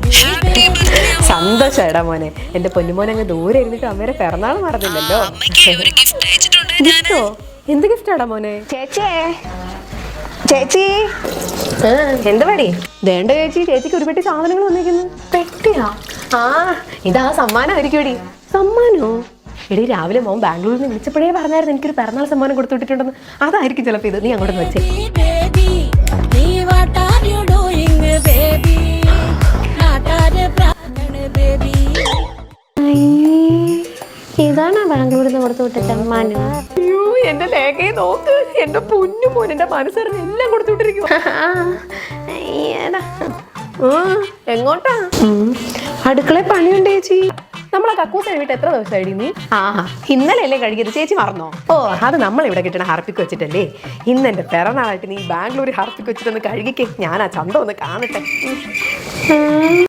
സന്തോഷടാ മോനെ. എന്റെ പൊന്നുമോൻ അങ്ങ് ദൂരെ ഇരുന്നിട്ട് അമ്മേരെ പിറന്നാൾ മറന്നില്ലല്ലോ. ഗിഫ്റ്റോ? എന്ത് ഗിഫ്റ്റാടാ മോനെ? ചേച്ചി എന്ത് പടി? വേണ്ട ചേച്ചി, ചേച്ചിക്ക് ഒരു പെട്ടി സാധനങ്ങൾ വന്നിരിക്കുന്നു. പെട്ടിയാ? ആ, ഇതാ സമ്മാനമായിരിക്കും എടി. സമ്മാനോ? എടി രാവിലെ മോൻ ബാംഗ്ലൂരിൽ നിന്ന് വിളിച്ചപ്പോഴേ പറഞ്ഞായിരുന്നു എനിക്കൊരു പിറന്നാൾ സമ്മാനം കൊടുത്തു വിട്ടിട്ടുണ്ടെന്ന്. അതായിരിക്കും ചിലപ്പോൾ ഇത്. നീ അങ്ങോട്ട് വെച്ചേ. ഇതാണ് ബാംഗ്ലൂരിൽ നിന്ന് കൊടുത്തു വിട്ട സമ്മാനം. അയ്യോ, എന്റെ ലേഖയെ നോക്ക്. എന്റെ പൊന്നു മോൻ എന്റെ മനസ്സറിഞ്ഞ് എല്ലാം കൊടുത്തു വിട്ടിരിക്കും. എങ്ങോട്ടാ? അടുക്കളയിൽ പണിയുണ്ട് ചേച്ചി. നമ്മളെ കക്കൂസ് കഴിവിട്ട് എത്ര ദിവസമായിടി നീ? ഇന്നലെയല്ലേ കഴുകിയത്, ചേച്ചി മറന്നോ? ഓ, അത് നമ്മളിവിടെ കിട്ടണ ഹാർപ്പിക്ക് വെച്ചിട്ടല്ലേ. ഇന്ന് എന്റെ പിറന്നാളായിട്ട് നീ ബാംഗ്ലൂർ ഹാർപ്പിക്ക് വെച്ചിട്ടൊന്ന് കഴുകിക്കേ. ഞാൻ ആ ചന്ത ഒന്ന് കാണട്ടെ.